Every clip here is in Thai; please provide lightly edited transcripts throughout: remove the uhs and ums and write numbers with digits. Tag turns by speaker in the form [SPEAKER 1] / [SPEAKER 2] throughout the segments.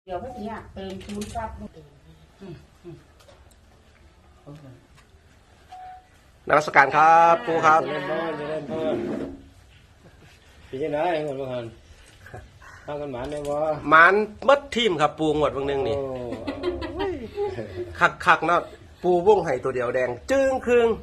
[SPEAKER 1] เดี๋ยวพวกนี้เติมคูณซับ
[SPEAKER 2] นมัสการครับครูครับ
[SPEAKER 3] จะเล่นพี่จะได้เงินบ้านทางกันหมานได้บ่
[SPEAKER 2] หมันมัดทีมครับปูงวดบางนึงนี่คักเนาะปูวงไห้ตัวเดียวแดงจึ้งครึ่ง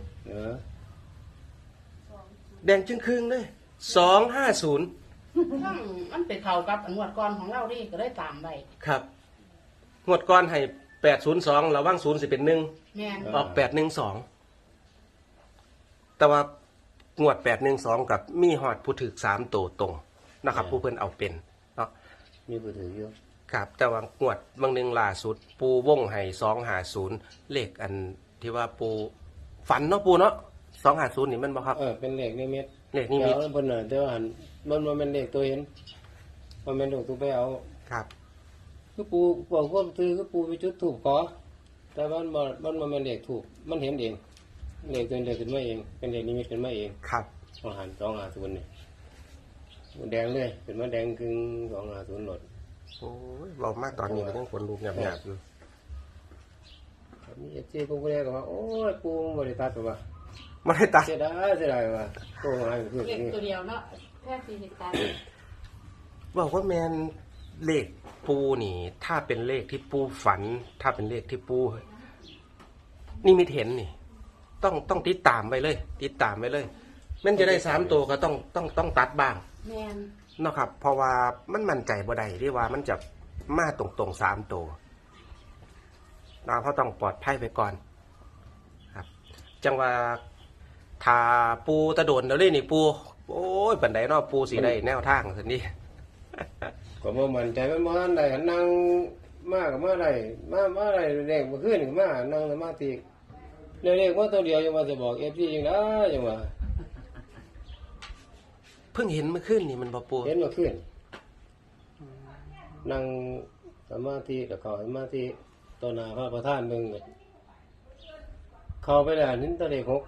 [SPEAKER 2] แดงจึ้งครึ่งเลย250
[SPEAKER 1] มันเป็นเข่ากับงวดก่อนของเราดิก็ได้ตามไป
[SPEAKER 2] ครับงวดก่อนให้802ระวัง0สิเป็น1
[SPEAKER 1] แม่น
[SPEAKER 2] ออก812แต่ว่างวด812กับมีฮอดผู้ถึก3ตัวตรงนะครับผู้เพิ่นเอาเป็นเนาะ
[SPEAKER 3] มีผู้ถืออยู่
[SPEAKER 2] ครับแต่ว่างวดบางนึงล่าสุดปูวงให้250เลขอันที่ว่าปูฝันเนาะปูเนาะ250นี่มันบ่ครับ
[SPEAKER 3] เป็นเลขนิมิต
[SPEAKER 2] เลขนิมิต
[SPEAKER 3] เพิ่นน่ะแต่ว่ามันบ่แม่นเลขตัวเห็นมันแม่นเลขตัวไปเอา
[SPEAKER 2] ครับ
[SPEAKER 3] คือปูบอกว่าคือปูไปจุดธูปขอแต่มันบ่แม่นเลขธูปมันเห็นเองเลขตัวเดียวขึ้นมาเองเป็นเลขนิมิตขึ้นมาเอง
[SPEAKER 2] ครับ
[SPEAKER 3] 250นี่แดงเลยขึ้นมาแดงครึ่ง250หลด
[SPEAKER 2] โอ้ยเว้ามากตอนนี้ก็ยังขนลุกหยาบๆอยู่
[SPEAKER 3] มีเจ๊กูก็เรียกว่าโอ้ยปูบ่ได้ตัดว่า
[SPEAKER 2] บ่ได้ตัด
[SPEAKER 3] เสียดายว่าโตหายเพิ่น
[SPEAKER 1] เลขตัวเดียวเนาะแค่40ตัน
[SPEAKER 2] บอกว่าแม่นเลขปูนี่ถ้าเป็นเลขที่ปูฝันถ้าเป็นเลขที่ปูนี่มีเห็นนี่ต้องติดตามไปเลยติดตามไปเลยแม่นจะได้3ตัวก็ต้องตัดบ้าง
[SPEAKER 1] แม่น
[SPEAKER 2] เนาะครับเพราะว่ามันมั่นใจบ่ได้ที่ว่ามันจะมาตรงๆ3ตัวเราเขาต้องปลอดภัยไปก่อนครับจังว่าถ้าปูตะโดนแล้วเลยนี่ปูโอ้ยปันไดเนาะปูสิได้แนวทางซั่นนี่
[SPEAKER 3] ก็บ่มั่นใจมันบ่ทันได้นั่งมาก็มาได้มาได้เลขบ่คืนก็มานั่งสมาธิเลขว่าตัวเดียวยังว่าจะบอก FP จังได๋จังว่า
[SPEAKER 2] เพิ่งเห็นเมื่อคืนนี่มันบ่ปู
[SPEAKER 3] เห็นเมื่อคืนนั่งสมาธิแล้วเข้าสมาธิต่อหน้าพระประธานเบิ่งเข้าไปแล้วเห็นตัวเลข6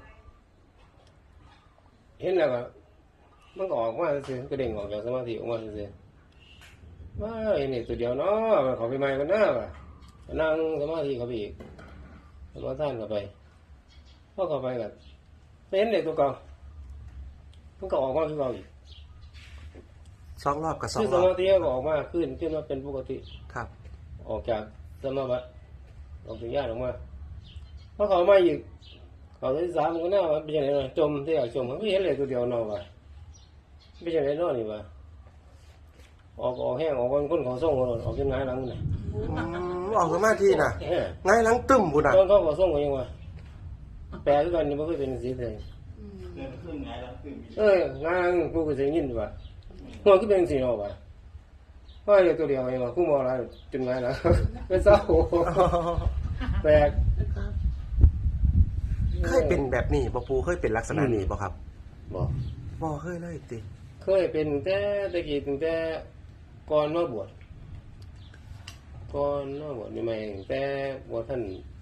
[SPEAKER 3] เห็นแล้วก็มันก็ออกมาซื่อๆก็เด้งออกจากสมาธิออกมาซื่อๆว่าไอ้นี่ตัวเดียวเนาะเขาไปใหม่กันหน้าว่ะนั่งสมาธิเขาไปอีกสมาทานเข้าไปพอเข้าไปกันเห็นเด็กตัวเก่ามันก็ออกมาคือเก่าอีก
[SPEAKER 2] 2 รอบกับ2 รอบ
[SPEAKER 3] สมาธิก็ออกมาขึ้นมาเป็นปกติ
[SPEAKER 2] ครับ
[SPEAKER 3] ออกจากสมาบัติออกจากญาติออกมาพอเขามาอีกเขาที่3ก็น่าว่าเป็นยังไงจมที่อยากจมไม่เห็นเลยตัวเดียวนอนว่ะไม่ใช่ไรนอนนี่ว่ะออกแห้งออกคนเขาส่งคนออกจนง่ายหลังน่ะ
[SPEAKER 2] ออกสมาธิน่ะง่ายหลังตึ้มพุ่นน่ะ
[SPEAKER 3] เขาส่งกันยังวะแปลคือกันนี่บ่เคยเป็นสิเลยง่ายหลังกูก็สิยินว่าหัวคือเป็นสิเนาะว่ะว่าอยู่ตัวเดียวเองว่ากูมองอะไรจนง่ายหลังเป็นเศร้าแปลก
[SPEAKER 2] เคยเป็นแบบนี้บ่ปูเคยเป็นลักษณะนี้บ่ครับบ่เคยเลยติ
[SPEAKER 3] เคยเป็นแต่ตะกี้ตั้งแต่ก่อนมาบวชนี่ไม่แต่บ่ท่าน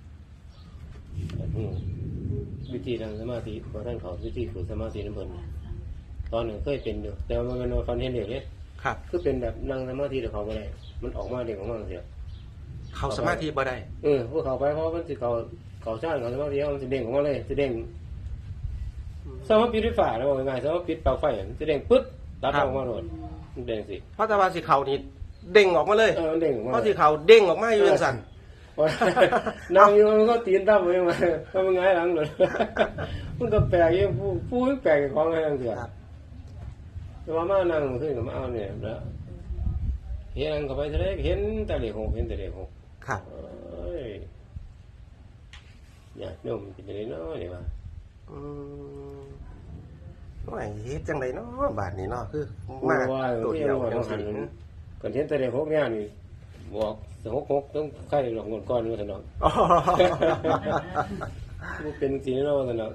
[SPEAKER 3] วิธีนั่งสมาธิบ่ท่านเขาวิธีฝึกสมาธินำเพิ่นตอนนึงเคยเป็นอยู่แต่ว่ามันฟันเห็นเด็กเด้
[SPEAKER 2] ครับ
[SPEAKER 3] คือเป็นแบบนั่งสมาธิแล้วเขาบ่ได้มันออกมาเด็กออกมาจังซี่
[SPEAKER 2] เขาสมาธิบ่ได้
[SPEAKER 3] พวกเขาไปเพราะมันสิเขาชาติเขาสมาธิมันสิเด้งออกมาเลยสิเด้งสมมติปิดไฟฟ้าแล้วว่าง่ายสมมติปิดปลั๊กไฟมันสิเด้งปึ๊ดตัดออกมาโดดมันเด้งสิ
[SPEAKER 2] เพราะแต่ว่าสิเขานี่เด้งออกมาเลย
[SPEAKER 3] มันเด้งออกมา
[SPEAKER 2] เพราะสิเขาเด้งออกมาอยู่จังซั่น
[SPEAKER 3] นั่งอยู่มันก็ตีนตั้มไปมาก็มันง่ายหลังเลยมันก็แปลกอยู่ผู้แปลกของอะไรต่างๆแต่ว่ามานั่งขึ้นกับมาเอาเนี่ยแล้วเห็นเข้าไปทะเลเห็นแต่เลข6เห็นแต่เลข6
[SPEAKER 2] ครับ
[SPEAKER 3] อยากโยมเป็นจังได๋เนาะนี่ว่า
[SPEAKER 2] ว่าเฮ็ดจังได๋เนาะบาดนี้เนาะคือมาตัวเดียวจังซี่
[SPEAKER 3] ก่อนเห็นแต่เลข6เนี่ยนี่บอก6ต้องใครหลอกเงินก้อนว่าซั่นเนาะบ่เป็นสิเนาะว่าซั่นเนาะ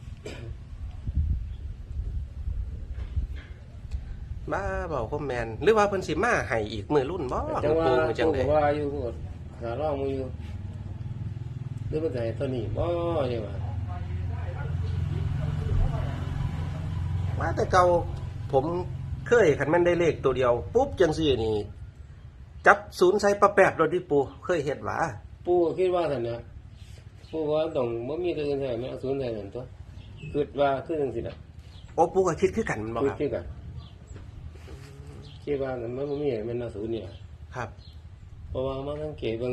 [SPEAKER 2] มาบอกพ่อแม่นหรือว่าเพิ่นสิมาให้อีกมื้อรุ่นบ่
[SPEAKER 3] จังว่าอยู่ก็หาร้องมืออยู่หรือว่าจะให้ตัวนี้บ่ใช่ป่ะ
[SPEAKER 2] ว่าแต่เก่าผมเคยคันแม่นได้เลขตัวเดียวปุ๊บจังซี่นี่จับศูนย์ใส่ปลาแปบรถดิปูเคยเห็นหวะ
[SPEAKER 3] ปูก็คิดว่าท่านนะปูว่าต้องบ่มีตัวอื่นใส่ไม่เอาศูนย์ใส่นั่นตัวคิดว่าคือจังซี่น่ะ
[SPEAKER 2] โอ้ปูก็คิดคือกันมันบ่
[SPEAKER 3] คิ
[SPEAKER 2] ครับ
[SPEAKER 3] ดคือกันคิดว่ามันบ่มีมันเอาศูนย์นี่ล่ะ
[SPEAKER 2] ครับ
[SPEAKER 3] เพราะว่ามาสังเกตเบิ่ง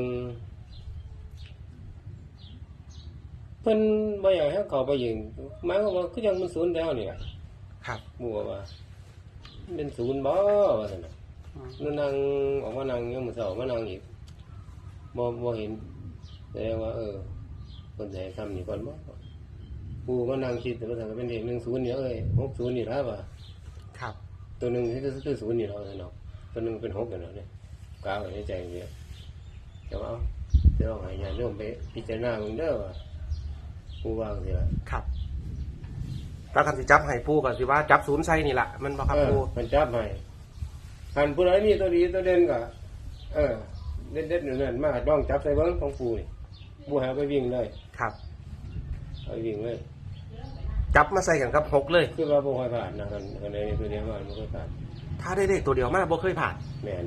[SPEAKER 3] เพิ่นบ่อยากให้เขาไปยิงหมายความว่าคือยังมันศูนย์แล้วนี่ล่ะ
[SPEAKER 2] ครับ
[SPEAKER 3] ปูว่ามันเป็นศูนย์บ่ว่าซั่นน่ะนั่งออกมานั่งยังมื้อเช้ามานั่งอีกบ่เห็นแสดงว่าเพิ่นสิให้ซ้ำนี่ก่อนบ่ปูมานั่งคิดแต่ว่าถ้าเป็นเลข10นี่60นี่ล่ะว่า
[SPEAKER 2] ครับ
[SPEAKER 3] ตัวหนึงคือ0นี่เนาะซั่นเนาะตัวหนึงเป็น6กันเนาะเนี่ยกาไว้ในใจนี่แต่ว่าเดี๋ยวให้ญาติโยมไปพิจารณาเบิ่งเด้อว่าปูว่าจังซี่ล่ะ
[SPEAKER 2] ครับแล้วคันสิจับให้ปูก็สิว่าจับศูนย์ใส่นี่ล่ะมันบ่ครับปู
[SPEAKER 3] มันจับให้คันผู้ใดมีตัวดีตัวเด่นก็เด็ดๆนั่นๆมาต้องจับใส่เบิ่งของปูนี่ปูหาไปวิ่งเลย
[SPEAKER 2] ครับ
[SPEAKER 3] เอาไปวิ่งเลย
[SPEAKER 2] จับมาใส่กันกับหกเลย
[SPEAKER 3] คือว่าบ่ค่อยผ่านนะคันใดตัวเดียวมาบ่ค่อยผ่าน
[SPEAKER 2] ถ้าได้เลขตัวเดียวมาบ่เคยผ่าน
[SPEAKER 3] แม่น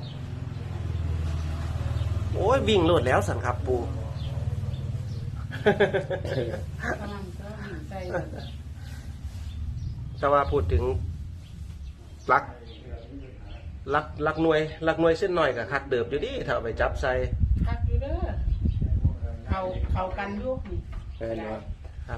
[SPEAKER 2] โอ้ยวิ่งโลดแล้วสันครับปู
[SPEAKER 1] กำลังก็หินใจ
[SPEAKER 2] แต่ว่าพูดถึงลักหน่วยเส้นหน่อยกับคักเดิบอยู่ดิถ้าเอาไปจับใส่
[SPEAKER 1] คักอยู่เด้อเขากันอยุกนี่
[SPEAKER 3] แม่นว่า
[SPEAKER 2] ครับ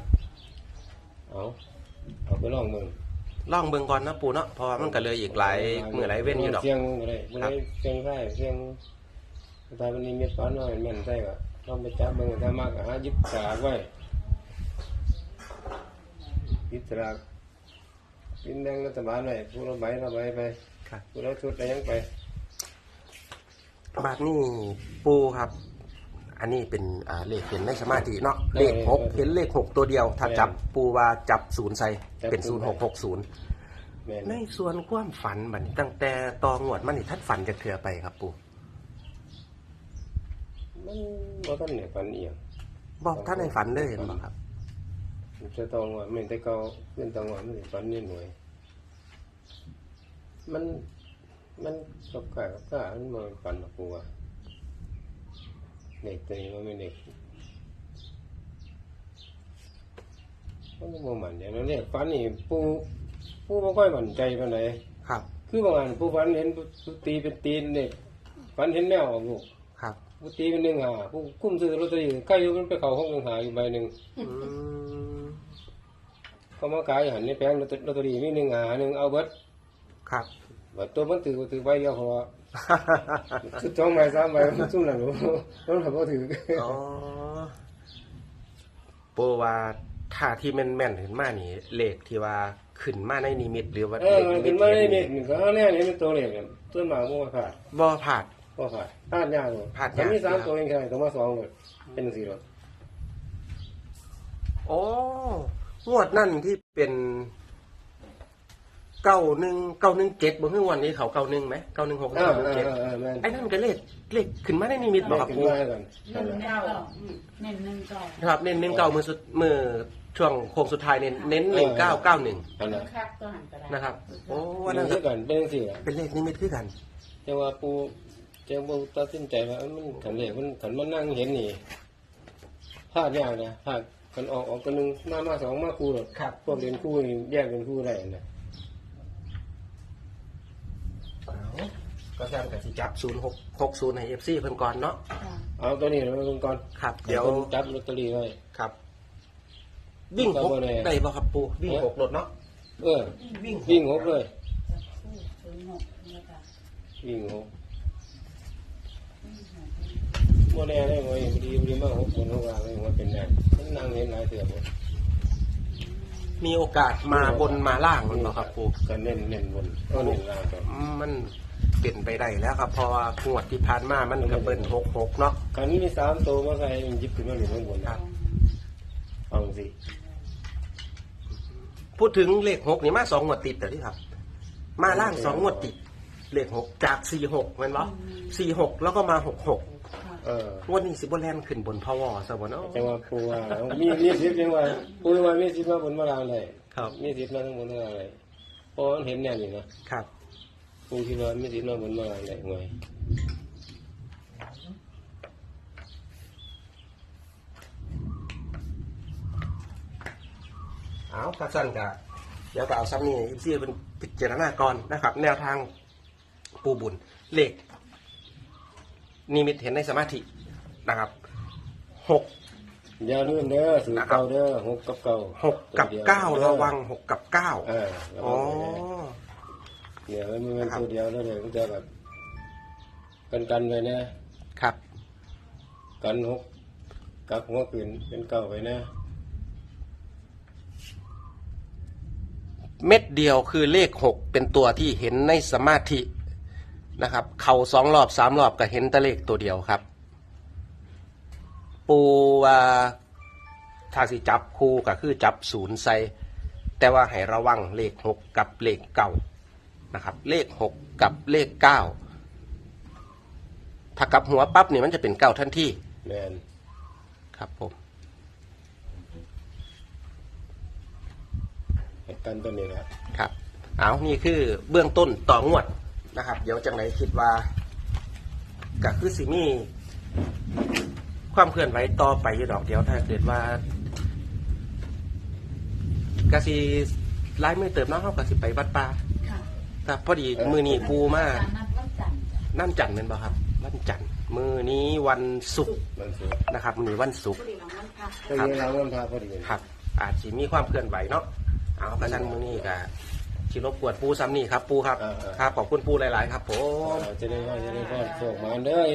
[SPEAKER 3] เอาไปลองเบิ่ง
[SPEAKER 2] ล่องเบิ่งก่อนนะปูเนาะเพราะว่ามันก็เหลยอีกหลายมื้อหลายเว้นอยู่ดอก
[SPEAKER 3] เสียงบ่ได้บ่ได้เสียงไส้เสียงถ้ามันมีเม็ดก้อนน้อยแม่นใส่ก็ลองไปจับเบิ่งถ้ามากก็หาหยิบสากไว้หยิบสากกินแดงรัฐบาลไว้ผู้ละใบไป
[SPEAKER 2] ครับ
[SPEAKER 3] ผู้ละชุดอะไรยังไป
[SPEAKER 2] บาดนี้ปูครับ อันนี้เป็นเลขเห็นในสมาธิเนาะเลขหกเห็นเลขหกตัวเดียว ถ้าจับปูว่าจับศูนย์ใส่เป็น0660
[SPEAKER 3] แม่น
[SPEAKER 2] ในส่วนความฝันบัดนี้ตั้งแต่ตองวดมันนี่ทัดฝันจะเถื่อไปครับปู
[SPEAKER 3] มันบ่ทันได้ฝันอีหยัง
[SPEAKER 2] บอกท่านในฝันเลยเห็นบ่ครับ
[SPEAKER 3] มันจะต้องว่าแม่นแต่เก่าเพิ่นต้องว่ามันสิฝันนิดหน่อยมันกับกะมันบ่ฝันหรอกกูว่าเด็กตัวนี้มันเป็นเด็กมันบ่มั่นใจแล้วเนี่ยฝันนี่ปูบ่ค่อยมั่นใจปานใด
[SPEAKER 2] ครับ
[SPEAKER 3] คือบางอันปูฝันเห็นปูตีเป็นตีนเนี่ยฝันเห็นแมวออกลูก
[SPEAKER 2] ครับ
[SPEAKER 3] ปูตีเป็น1 5ปูคุ้มซื้อลอตเตอรี่ใกล้อยู่มันไปเข้าห้อง1 5อยู่ใบหนึง
[SPEAKER 2] อืม
[SPEAKER 3] เขามาขายหันในแผงลอตเตอรี่มี1 5 1เอาเบิด
[SPEAKER 2] ครับ
[SPEAKER 3] บัดตัวมันถือใบเดียวเพราะว่าคือ2ใบ3ใบมันซุ่มนั่นโอ้มันบ่ถือ
[SPEAKER 2] อ๋อปูว่าถ้าที่แม่นๆเห็นมานี่เลขที่ว่าขึ้นมาในนิมิตหรือว่าเลข
[SPEAKER 3] มัน
[SPEAKER 2] นิ
[SPEAKER 3] เป็น
[SPEAKER 2] มิ
[SPEAKER 3] มา
[SPEAKER 2] ต
[SPEAKER 3] ได้เม็ดนี่ก็แน่นี่เป็นตัวเลขเนี่ยตัวหมาบ่ว่าขาด
[SPEAKER 2] บ่ผาด
[SPEAKER 3] บ่ขาดพลาดยากเลย
[SPEAKER 2] พลาดยาก
[SPEAKER 3] มันมี3ตัวเองแค่ต้องมา2เลยเป็น4รถ
[SPEAKER 2] โอ้งวดนั่นที่เป็น9117บ่คือวันนี้เขา91ไหม9169
[SPEAKER 3] แม่น
[SPEAKER 2] ไอ้นั่นก็เลขขึ้นมาในนิมิตบ่ครับ
[SPEAKER 3] ขึ้น
[SPEAKER 2] ปู
[SPEAKER 3] มาก่อน
[SPEAKER 1] เน้นเก้าเน้น1 9
[SPEAKER 2] ครับเน้น19มือช่วงโค้งสุดท้ายเน้น1991
[SPEAKER 3] อันนั้น
[SPEAKER 1] คักตัวหันก็ได้
[SPEAKER 2] นะครับโอ้
[SPEAKER 3] วั
[SPEAKER 2] วัน น
[SPEAKER 3] นั้
[SPEAKER 2] นั้น น
[SPEAKER 3] คือกันเป็นจังซี่ล่ะ
[SPEAKER 2] เป็นเลขนิมิตคือกัน
[SPEAKER 3] แต่ว่าปูจังบ่ตัดสินใจว่ามันคันเลขมันคันมันนั่งเห็นนี่พลาดยากนะพลาดกันออกตัวนึงมา2มาคู่หรอก
[SPEAKER 2] ครับ
[SPEAKER 3] พวกเรียนคู่นี่แยกเป็นคู่ได้นะ
[SPEAKER 2] ก็แซมกับสิจับ0660ให้ FC เพิ่นก่อนเนาะ
[SPEAKER 3] เอาตัวนี้เราลงก่อน
[SPEAKER 2] ครับเดี๋ยว
[SPEAKER 3] จับลอตเตอรี่ไว้
[SPEAKER 2] ครับ วิ่งหก
[SPEAKER 3] ก็บ่แน่
[SPEAKER 2] ได้บ่ครับปูวิ่งหกรถเนาะ
[SPEAKER 3] วิ่งหกเลยวิ่งหกโมแน่ได้ไหมดีมาก6คน6ว่าเลยว่าเป็นแน่มันนั่งเห็นหลายเถื่อหมด
[SPEAKER 2] มีโอกาสมาบนมาล่างมันบ่ครับปู
[SPEAKER 3] ก็เน้นบนก็เน้นล่างก่อน
[SPEAKER 2] มันเปลี่ยนไปได้แล้วครับเพราะว่างวดที่ผ่านมามันก็เบิ้ล66เนาะ
[SPEAKER 3] คราวนี้มี3ตัวมาใส่หยิบขึ้นมาหนึ่งข้างบนนะฟังสิ
[SPEAKER 2] พูดถึงเลข6นี่มา2งวดติดแต่ที่ครับ มาล่าง2งวดติดเลข6จาก46แม่นบ่46แล้วก็มา66งวดนี้สิบ่แล่นขึ้นบนพวซะบ่เนาะ
[SPEAKER 3] จังว่าปูว่ามีสิทธิ์จังว่าปูว่ามีสิทธิ์มาบนมาล่างได้
[SPEAKER 2] ครับ
[SPEAKER 3] มีสิทธิ์มาทั้งบนทั้งล่างได้เพราะมันเห็นแน่นี่นะครับปูคิดว่าไม่สินอนบนมาไหนหน่วย
[SPEAKER 2] เอากระสั้นกะเดี๋ยวก็เอาซ้ำนี่อีซี่เป็นพิจารณาก่อนนะครับ แนวทางปูบุญเลขนิมิตเห็นในสมาธินะครับ6
[SPEAKER 3] อย่าลืมเด้อสูตรเก่าเด้อ6 กับเก่า
[SPEAKER 2] 6 กับ 9 ระวัง 6 กับ 9
[SPEAKER 3] ระ
[SPEAKER 2] อ๋
[SPEAKER 3] วั
[SPEAKER 2] อง
[SPEAKER 3] ไว้เนี่ยมันเป็นตัวเดียวแล้วเนี่ยมันจะแบบกันไว้นะครับ กัน6กับหัวขึ้นเป็นเก่าไว้นะ
[SPEAKER 2] เม็ดเดียวคือเลข 6 เป็นตัวที่เห็นในสมาธินะครับ เข่า2 รอบ 3 รอบก็เห็นแต่เลขตัวเดียวครับ ปูว่าถ้าสิจับคู่ก็คือจับ0ใส่แต่ว่าให้ระวังเลข 6 กับเลข 9นะครับ เลข 6 กับเลข 9ถ้ากลับหัวปั๊บเนี่ยมันจะเป็น 9 ทันที
[SPEAKER 3] แมน
[SPEAKER 2] ครับผม
[SPEAKER 3] ให้กันตัวนี้นะครับ
[SPEAKER 2] เอานี่คือเบื้องต้นต่องวดนะครับ เดี๋ยวจังไหนคิดว่าก็คือสิมีความเคลื่อนไหวต่อไปอยู่ดอกเดียวถ้าเกิดว่ากสิไล่มือเติมน้องเขากสิไปวัดป่า
[SPEAKER 1] ค่ะ
[SPEAKER 2] ครับพอดีมือนี้ปูมา
[SPEAKER 1] การนัดวันจันทร์จ้ะ
[SPEAKER 2] นั่นจันทร์เป็นบ่ครับวันจันทร์มือนี้วันศุกร์
[SPEAKER 3] มันสุด
[SPEAKER 2] นะครับมือนี้วันศุกร์
[SPEAKER 1] พอดีน้องวันพัก
[SPEAKER 3] ก็ยังเราวันพาพอดี
[SPEAKER 2] ครับ อาจจะมีความเคลื่อนไหวเนาะเอากระชันมือนี้ก็ชิรบกวนปูซ้ำนี่ครับปูครับครับขอบคุณปูหลาย ๆ ครับผม
[SPEAKER 3] จะได้ว่าโชคมาเด้อ